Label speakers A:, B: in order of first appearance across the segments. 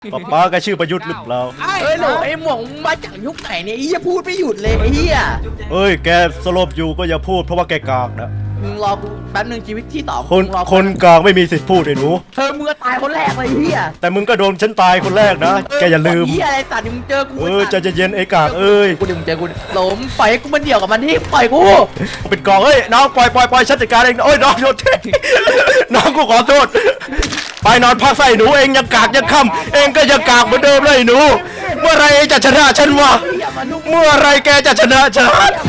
A: ป้าแกชื่อประยุทธ์หรือเปล่า
B: เฮ้ยโหลไอ้หมวกมาจากยุคไหนเนี่ยไอ้เหี้ยพูดไม่หยุดเลยไอ้เหี้ย
A: เอ้ยแกสลบอยู่ก็อย่าพูดเพราะว่าแกกากนะ
B: มึงรอกูแป๊บนึงชีวิตที่สอง
A: คน
B: มึงรอกู
A: คนกากไม่มีสิทธิ์พูดไอ้หนู
B: มึงก็ตายคนแรกเลยไอ้เหี้ย
A: แต่มึงก็โดนฉันตายคนแรกนะแกอย่าลืม
B: เหี้ยอะไรสัตว์มึงเจอกู
A: ใจเย็นๆไอ้กากเอ้ย
B: กูเดี๋ยวมึงเจอกูหลมปล่อยให้กูมันเดี่ยวกับมันที่ปล่อยกู
A: เป็นกองเอ้ยน้องปล่อยฉันจัดการเองโอ้ยน้องโทษทีน้องกูขอโทษไปนอนพักใส่หนูเองยังกากยังค่ำเองก็ยังกากเหมือนเดิมเลยไอ้หนูเมื่อไรเองจะชนะฉันวะเมื่อไรแกจะชนะฉัน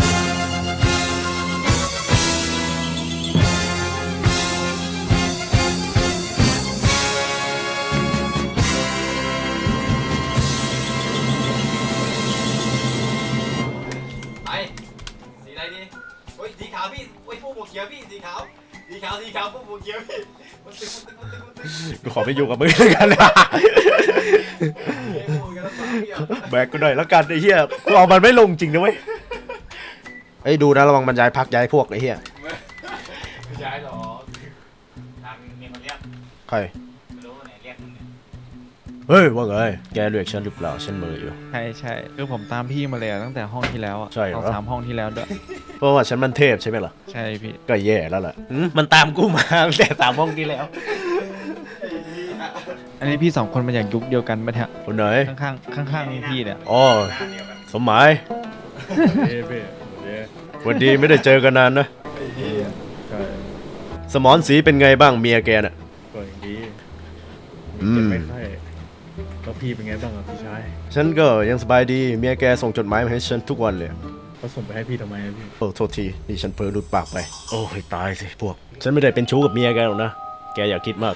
C: ไปสีอะไรดีโอ้ยสีขาวพี่โอ้ยพวกหมวกเขียวพี่สีขาวพวกหมวกเขียวพี่มันตึง
A: กูขอไปอยู่กับมึงแล้วกันนะ
C: เอ้ยพวกกันแล้วพี่อ่ะ
A: แบกกูหน่อยแล้วกันไอ้เหี้ยกูเอามันไม่ลงจริงนะเว้ยไอ้ดูนะระวังมันย้ายพักย้ายพวกไอ้เหี้ย
C: ไม่ใช่หรอทางมีคนเรียก
A: ใคร
C: ไม่รู้ไหนเรียกมึงเนี่ย
A: เฮ้ยว่าไงแกเรียกฉันหรือเปล่าฉันมืออยู่
D: ใช่คือผมตามพี่มาเลยอะตั้งแต่ห้องที่แล้วอะ
A: ใช่เหรอ
D: 3 ห้องที่แล้วด้วย
A: เพราะว่าฉันมันเทพใช่ไหมล่ะ
D: ใช่พี่
A: ก็แย่แล้วแหละมันตามกูมาตั้งแต่3 ห้องที่แล้ว
D: อันนี้พี่2 คนมาจากยุคเดียวกันปะเนี่ย
A: คนไหน
D: ข้างๆพี่เนี่ย
A: อ๋อสมหมายสวันดีไม่ได้เจอกันนานนะสมอนสีเป็นไงบ้างเมียแกน่ะ
E: ก็อย่างดี
A: อืม
E: ไม่ค่อยแล้วพี่เป็นไงบ้างอ่ะพี่ชาย
A: ฉันก็ยังสบายดีเมียแกส่งจดหมายมาให้ฉันทุกวันเลย
E: เขาส่งไปให้พี่ทำไมอะพี่
A: โอ้โทษทีนี่ฉันเผลอหลุดปากไปโอ้ยตายสิพวกฉันไม่ได้เป็นชู้กับเมียแกหรอกนะแกอย่าคิดมาก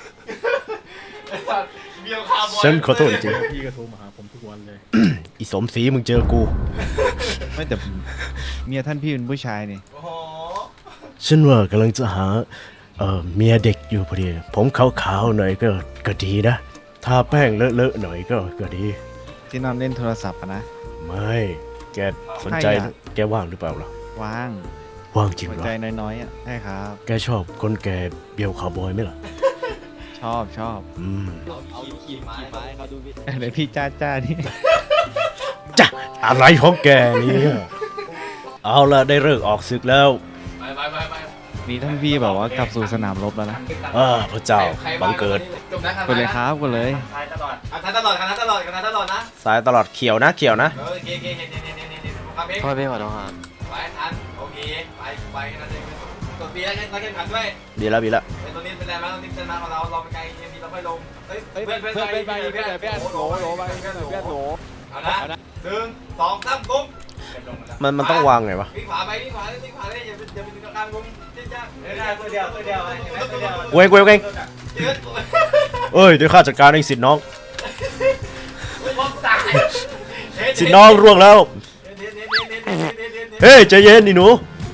C: เบี้ยวคาร์บอย
A: ฉันขอโทษจริง
E: พี่ก็โทรมาหาผมทุกวันเลย
A: ๆอีสมศรีมึงเจอกู
D: ไม่แต่เมียท่านพี่เป็นผู้ชายนี่
C: โอ้โห
A: ฉันว่ากำลังจะหาเมียเด็กอยู่พอดีผมขาวๆหน่อยก็ดีนะทาแป้งเลอะๆหน่อยก็ดี
D: ที่นอนเล่นโทรศัพท์อะนะ
A: ไม่แกสนใจ
D: ใครอะ
A: แกว่างหรือเปล่าล่ะ
D: ว่าง
A: ว่างจริง
D: หัว
A: เหรอ
D: ใจน้อยๆอะใช่ครับ
A: แกชอบคนแกเบียวคาวบอยไหมล่ะ
D: ชอบ
A: อืม
C: เอาขี่ไม้เขาดูพี่
D: อะไรพี่จ้านี่
A: จ้ะอะไรของแกเนี่ยเอาละได้เลิกออกศึกแล้ว
C: ไป
D: นี่ท่านพี่แบบว่ากลับสู่สนามรบแล้วนะ
A: พระเจ้าบังเกิด
C: จบนะ
D: กดเลยครับกดเลย
C: ทายตลอดทายตลอดนะ
A: สายตลอดเขียวนะเขียวนะ
C: โอเคเนี่ยความเอง
D: พ่อพี่ขอโทษครับ
C: ไปทันโอเคไปนั่นเองกดบีแล้วนักเก็ตขันด้วย
A: ดีแล้ว
C: เป็นตัวนี้เป็นอะไรบ้างตัวนี้เป็นมาของเราเป็นไงเอ็มดีเราค่อยลงเฮ้ยเพื่อนโหลเอานะ1 2 3กุ้ง
A: มันต้องวางไงวะ
C: วิ่งขวาเลยอย่าไปถึงกลางวงจ้าได้ตัวเดียว
A: เว้งเอ้ยเดี๋ยวข้าจัดการเองสิทธิ์น้องสิทธิ์น้องร่วงแล้วเฮ้ยใจเย็นนี่หนู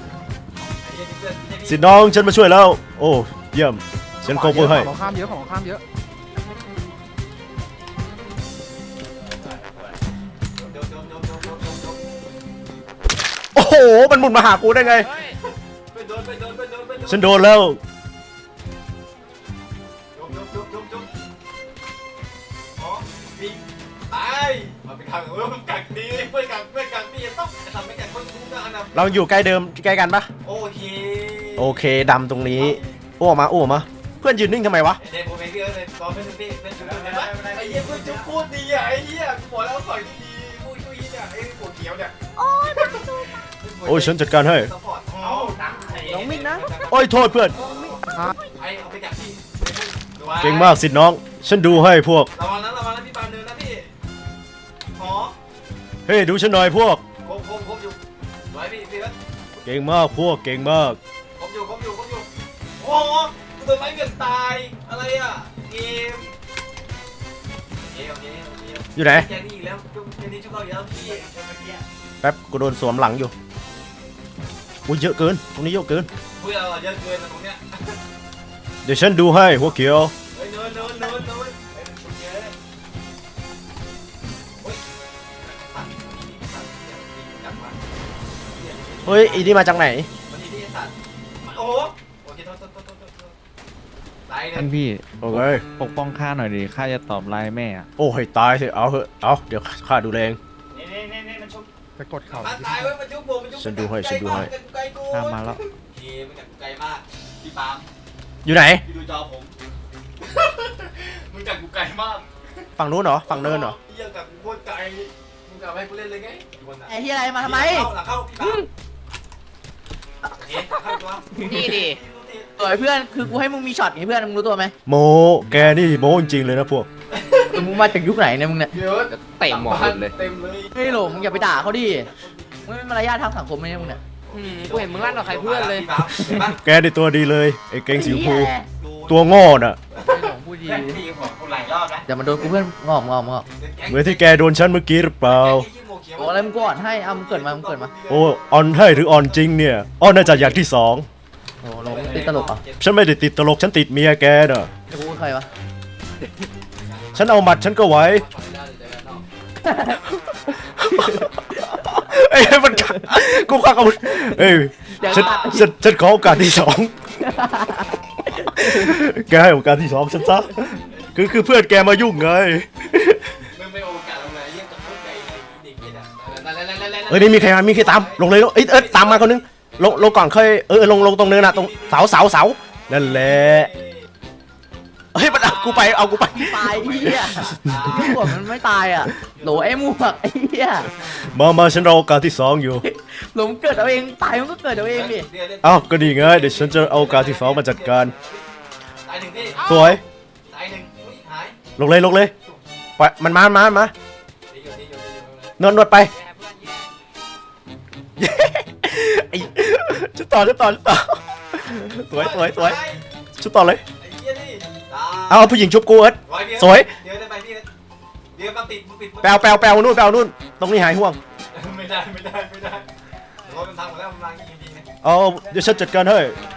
A: สิทธิ์น้องฉันมาช่วยแล้วโอ้เยี่ยมฉันโคเวอร์ให้
B: ของข้ามเยอะของข้ามเยอะ
A: โอ้โหมันหมุนมาหากูได้ไงฉันโดนแล้ว
C: มาเป็นขังกักดีเพื่อนกักดีต้องทำให้แก่คนคุ้มกันนะ
A: เราอยู่ใกล้เดิมใกล้กันปะ
C: โอเค
A: โอเคดำตรงนี้โอ้มาเพื่อนยืนนิ่งทำไมวะ
C: เด็กผมเองพี่เลยตอนเป็นพี่เป็นจุดเป็นว่าไอ้เหี้ยเพื่อนจุดพูดดีอ่ะไอ้เหี้ยกูบอกแล้วต่อยดีพูดเนี่ยไอ้หัวเขียวเนี่ย
A: โอ้ยฉันจัดการให้
B: น้องมินนะ
A: โอ้ยโทษเพื่อน
C: ไอ้เอาไปกักพี่
A: เก่งมากสิทธิ์น้องฉันดูให้พวก
C: ระวังนะพี่ปานเดินนะพี่หอ
A: เฮ้ยดูฉันหน่อยพวก
C: ครบอยู่ไว้พี่แล้ว
A: เก่งมากพวกเก่งมาก
C: ครบอยู่โอ้โหตัวไม้เกินตายอะไรอ่ะเกมโอเค
A: อยู่ไหน
C: แกนี่อีกแล้วแกนี่ชุบเราอีกแล้วพี่
A: แป๊บกูโดนสวมหลังอยู่อุ้ยเยอะเกินตรงนี้เยอะเกิน
C: พวกเราเยอะเกินนะตรงเนี้ย
A: เดี๋ยวฉันดูให้หัวเขียว
C: เฮ้ยเนินเยอะเฮ้ย
A: เฮ้ยอีนี่มาจากไหน
C: มันนี่สัตว์โอ้โหโอเคโทษต
D: ท่านพี่
A: โอเค
D: ปกป้องข้าหน่อยดิข้าจะตอบไลน์แม่อะ
A: โอ้ให้ตายสิเอาเถอะเอาเดี๋ยวข้าดูแลเอง
C: นี่มันชุบ
E: ไปกดเข่า
C: มันตายเว้ยมันชุบผมมันชุบ
A: ฉันดูให้ฉันดูให้
D: ข้ามาแล้ว
C: นี่มันจากไกลมากพี่ปาล์ม
A: อยู่ไหน
C: พี่ดูจอผม มึงจากกูไกลมาก
A: ฝั่งนู้นเหรอฝั่งเนินเหรอ
C: เยี่ยจากกูโคตรไกลมึงกลับให้กูเล่นเลยไง
B: ไอ้เหี้ยอะไรมาทำไม
C: หลังเข้าพี่ปาล์มเอ๊ะเข้าตัว
B: นี่ดิสวยเพื่อนคือกูให้มึงมีช็อตไงเพื่อนมึงรู้ตัวไหม
A: โมแกนี่โมจริงๆเลยนะพวก
B: มึงมาจากยุคไหนเนี่ยมึงเนี่ย
C: เดี๋ยว
B: เตะหมอเลย
C: เต็มเลย
B: เฮ้ยหลงมึงอย่าไปด่าเขาดิมึงไม่มีมารยาททางสังคมเลยเนี่ยมึงเนี่ย
F: กูเห็นมึงลั่นกับใครเพื่อนเลย
A: แกนี่ตัวดีเลยไอ้เก่งสีชมพูตัวโง่น่ะ
B: ไอ้หลงพูดดี
C: เล่นตีของกูหลายรอบแล้ว
B: อย่ามาโดนกูเพื่อนงอก
A: เหมือนที่แกโดนฉันเมื่อกี้หรือเปล่า
B: โอ้อะไรมึงก่อนให้เอามึงเกิดมามึงเกิดมา
A: โอ้ออนให้หรือออนจริงเนี่ยออนน่าจะอย่างที่สอง
B: โอ้หลงติดตลกอ่ะ
A: ฉันไม่ได้ติดตลกฉันติดเมียแกน่ะ
B: ไอ้กูใครวะ
A: ฉันเอาหมัดฉันก็ไหวเอ้ยมันกูควักอาวุธเอ้ยฉันขอโอกาสที่สองแกให้โอกาสที่สองฉันซะคือเพื่อนแกมายุ่งไง
C: มึงไม่โอกาสลงไหนเยี่ยมจากโคตรไกลเลยเด็กนี่นะ
A: เอ้ยนี่มีใครมามีใครตามลงเลยเอ้ยตามมาคนนึงลงก่อนเคยลงตรงเนินน่ะตรงเสานั่นแหละเฮ้ยมันเอากูไป
B: ตายไอ้เหี้ยไอ้หมวกมันไม่ตายอ่ะโหลไอ้หมวกไอ้เหี้ย
A: มาฉันรอโอกาสที่สองอยู่
B: หลงเกิดเอาเองตายมันก็เกิดเอาเองดิ
A: เอ้าก็ดีไงเดี๋ยวฉันจะเอาโอกาสที่สองมาจัดการ
C: ตายหนึ่งพี่
A: สวย
C: ตายหนึ่งหาย
A: ลงเลยไปมันมา
C: ดีอยู่
A: นวดไปไอ้ชุดต่อสวยชุดต่อเลย
C: ไอ้เหี้ยนี่
A: เอาผู้หญิงชุบกูเอิร์ธสวย
C: เดี๋ยวได้ไปพี่เดี๋ยวมาปิดมึงปิด
A: แปลนู่นตรงนี้หายห่วง
C: ไม่ได้รถมันทางหมดแล้วมันมายิงๆนะ
A: เอาเดี๋ยวฉันจัดการให้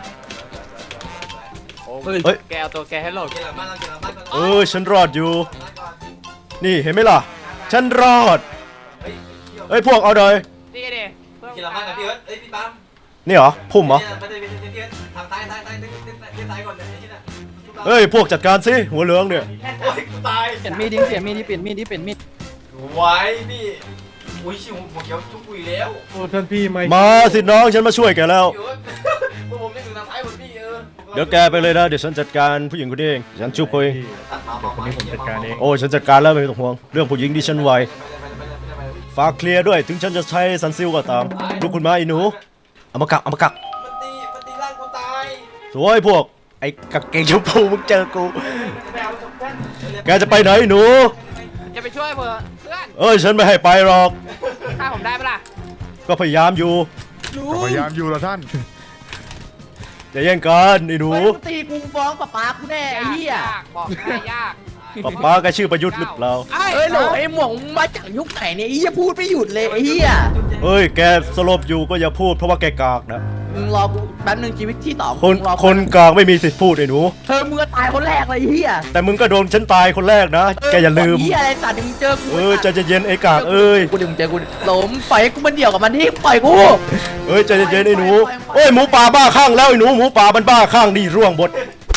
A: เฮ้ย
F: แกเอาตัวแกให้หลด
C: เกี่ยวกับบ้านเราเกี่ยวกับบ้านก่อน
A: ฉันรอดอยู่ นี่เห็นไหมล่ะ ฉันรอด เอ้ยพวกเอาเลย
F: นี่เด็
C: เกี่ยวกับบ้านกับพี่เอิร์ธเอ้ยพี่ปั๊ม
A: นี่เหรอพุ่มเหรอ
C: ไม่ได้พี่เอิร์ธทางซ้ายก่อนเลยไอ้ที่น่ะ
A: เฮ้ยพวกจัดการสิหัวเหลืองเนี่ย
C: โอ้ยกูตาย
F: เปลี่ยนมีดดิเปลี่ยนมีดดิเปลี่ยนมีดดิเปลี่ยนมีด
C: ไว้พี่อุ้ยชิวหัวเขียวจุกปุยแล้ว
E: โอ้ท่านพี่ไม่
A: มาสิน้องฉันมาช่วยแกแล้ว
C: พี่เอิร์ธพวกผมไม่ถึงทางซ้ายหมดพี่
A: เดี๋ยวแกไปเลยนะเดี๋ยวฉันจัดการผู้หญิงคนนี้เองฉันชุบเอง
E: พี่เดี๋ยวคนนี้ผมจัดการเอง
A: โอ้ฉันจัดการแล้วไม่ต้องห่วงเรื่องผู้หญิงที่ฉันไวฝากเคลียร์ด้วยถึงฉันจะใช้ซันซิลก็ตามลูกคุณมาอีหนูเอามากัก
C: มันตีร่างกูตาย
A: สวยพวกไอ้กางเกงชมพูมึงเจอกูแกจะไปไหนหนู
F: จะไปช่วยเพื่อน
A: เอ้ยฉันไม่ให้ไปหรอก
F: ฆ่าผมได้ปะล่ะ
A: ก็พยายามอยู่
E: พยายามอยู่แล้วท่าน
A: อย่าแย่งกันไอ้หนู
B: เฮ้ยมึงตีกูฟ้องป๊ากูแน่ไอ้เหี้ย
F: ยากบอกให้ยาก
A: ป้าแกชื่อประยุทธ์หรือเปล่า
B: เฮ้ยโหลไอ้หมวกมึงมาจากยุคไหนเนี่ยไอ้เหี้ยพูดไม่หยุดเลยไอ้เหี้ย
A: เอ้ยแกสลบอยู่ก็อย่าพูดเพราะว่าแกกากนะ
B: มึงรอกูแป๊บนึงชีวิตที่สอง
A: คน
B: มึงรอกู
A: คนกากไม่มีสิทธิ์พูดไอ้หนู
B: เธอมึงก็ตายคนแรกเลยไอ้เหี้ย
A: แต่มึงก็โดนฉันตายคนแรกนะแกอย่าลืม
B: เหี้ยอะไรสัตว์มึงเจอกู
A: ใจเย็นๆไอ้กากเอ้ย
B: กูดึงเจอกูหลมปล่อยให้กูมันเดี่ยวกับมันที่ปล่อยกู
A: เอ้ยใจเย็นๆไอ้หนูโอ้ยหมูป่าบ้าข้างแล้วไอ้หนูหมูป่ามันบ้าข้างนี่ร่วงหมด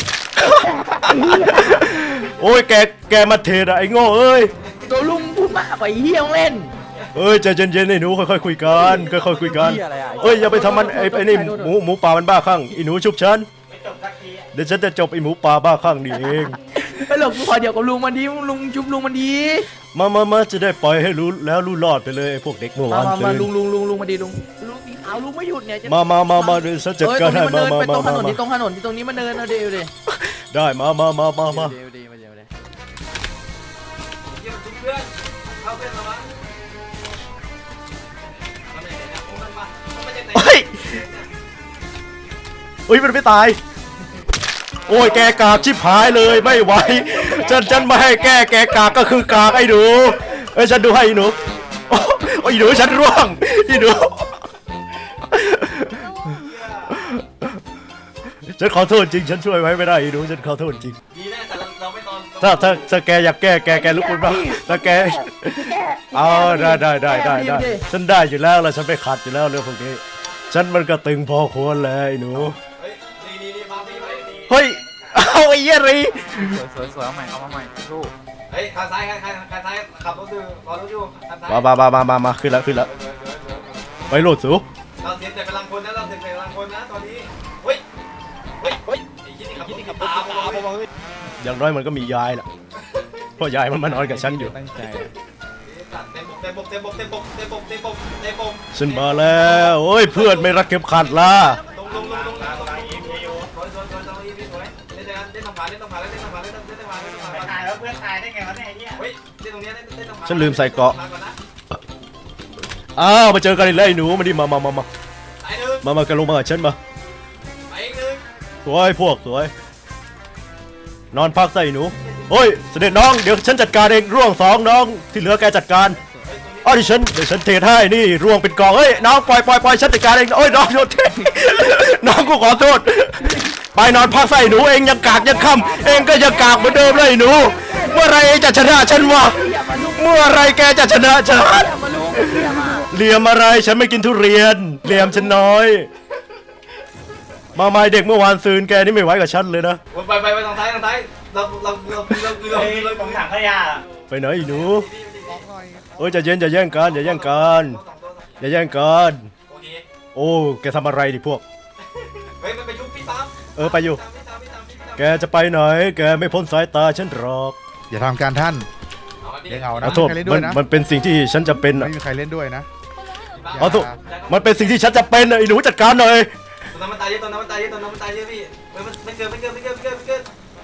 A: โอ้ยแกมาเทอะไอ้โง่เอ้ย
B: ตัวลุงพูดมากกว่าไอ้เหี้ยต้องเล่น
A: เอ้ยใจเย็นๆไอ้หนูค่อยๆคุยกันค่อยๆคุยกันเอ้ยอย่าไปทำมันไอ้นี่หมูป่ามันบ้าข้างไอ้หนูชุบฉันเดี๋ยวฉันจะจบไอ้หมูป่าบ้าข้างนี่เอง
B: ไอ้หลงกูขอเดี๋ยวกับลุงมันดีลุงจุ๊บลุงมันดี
A: มาจะได้ปล่อยให้รู้แล้วรู้รอดไปเลยไอ้พวกเด็กเมื่อวาน
B: มา
A: ตื่น
B: ลุงมาดีลุงสีขาวลุงไม่หยุดเนี่ย
A: มาเดี๋ยวฉันจัดการให้มา
B: ไปตรงถนนที่ตรงถนนที่ตรงนี้มันเดินเอาเดี๋ยวดิ
A: ได้มา
B: เดี๋ยวดิ
C: เยี่ยมเพื่อนเข้าเพื่อนมาบ้างมันไหนนะมันมาจากไหน
A: เฮ้ยอุ้ยมันไม่ตายโอ้ยแกกากชิบหายเลยไม่ไหวฉันไม่ให้แกกากก็คือกากไอ้หนูเอ้ยฉันดูให้ไอ้หนูโอ้ยหนูฉันร่วงไอ้หนูฉันขอโทษจริงฉันช่วยไว้ไม่ได้ไอ้หนูฉันขอโทษจริง
C: ดีนะแต่เราไม่ตอน
A: ถ้าแกอยากแกลุกขึ้นมาถ้าแกเอาได้ฉันได้อยู่แล้วฉันไปขัดอยู่แล้วเรื่องพวกนี้ฉันมันก็ตึงพอควรเลยไอ้หนู
C: เฮ้ยนี่มาพี่ไว้ดี
A: เฮ้ยเอาไอ้เหี้ยรี
B: สวยเอาใหม่เอามาใหม่ลูก
C: เฮ้ยข้างซ้ายข้างซ้ายขับรถอยู่รอรถอยู่ข้างซ้าย
A: มาขึ้นแล้วไปโหลดสู
C: เราเสียแต่พลังคนนะเราเสียแต่พลังคนนะตอนนี้เฮ้ยไอ้ยี่นี่ขับรถขับตามมาเว้ย
A: อย่างน้อยมันก็มียายแหละเพราะยายมันมานอนกับฉันอยู่
D: ตั้งใจ
C: เต็มบก
A: ฉันมาแล้วโอ้ยเพื่อนไม่รักเข็มขัดล่ะ
C: ลงสวยเล่นทำผ่านเล่นทำผ่านเล่นทำผ่านเล่นทำผ่าน
G: ตายแล้วเพื่อนตายได้ไงวะเนี่ยไอ้เหี้ย
C: เฮ้ยเล่นตรงนี้เล่นทำผ่าน
A: ฉันลืมใส่เกราะอ้าวมาเจอกันอีกแล้วไอ้หนูมาดิมา
C: ไอ้หนึ่ง
A: มากันลงมากับฉันมา
C: ไอ้หนึ่ง
A: สวยพวกสวยนอนพักใส่หนูโอ้ยเสด็จน้องเดี๋ยวฉันจัดการเองร่วงสองน้องที่เหลือแกจัดการอ๋อเดี๋ยวฉันเทให้นี่ร่วงเป็นกองเฮ้ยน้องปล่อยฉันจัดการเองโอ้ยน้องโดนเทน้องกูขอโทษไปนอนพักใส่หนูเองยังกากยังค่ำเองก็ยังกากเหมือนเดิมเลยหนูเมื่อไรเองจะชนะฉันวะเมื่อไรแกจะชนะฉันเหลี่ยมอะไรฉันไม่กินทุเรียนเหลี่ยมฉันน้อยมาเด็กเมื่อวานซืนแกนี่ไม่ไหวกับฉันเลยนะ
C: ไปทางซ้ายเรา
G: ผมถังขยะ
A: ไปไหนอีหนูเอ้ยอย่าแย่งกันอย่าแย่งกัน
C: โอเค
A: โอ้แกทำอะไรดิพวก
C: เฮ้ยมันไปยุบพี่ตาม
A: ไปอยู่ แกจะไปไหนแกไม่พ้นสายตาฉันหรอก
E: อย่าทำการท่าน
C: เอาดิ
E: เลี้ยงเอา
A: ข
E: นะ
A: อโทษ
E: ไม่มีใครเล่นด้วยนะ
A: มันเป็นสิ่งที่ฉันจะเป็นอะ
E: ไม่มีใครเล่นด้วยนะ
A: ขอโทษมันเป็นสิ่งที่ฉันจะเป็นอะไอ้หนูจัดการหน่อย
C: ตอนนั้นมันตายเยอะพี่ไม่เกิน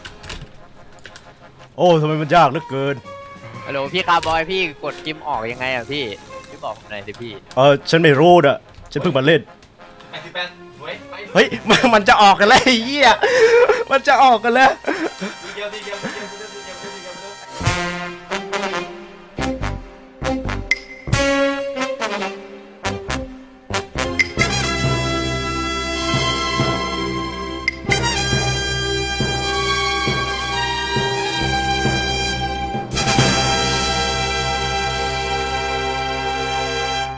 A: โอ้ทำไมมันยากเหลือเกิน
B: ฮัลโหลพี่คาร์บอยพี่กดจิมออกยังไงอ่ะพี่บอกผมหน่อยสิพี่
A: ฉันไม่รู้อะฉันเพิ่งมาเล่น
C: 88สวยไป
A: เฮ้ยมันจะออกกันแล้วไอ้เหี้ยมันจะออกกันแล้ว
C: เดียว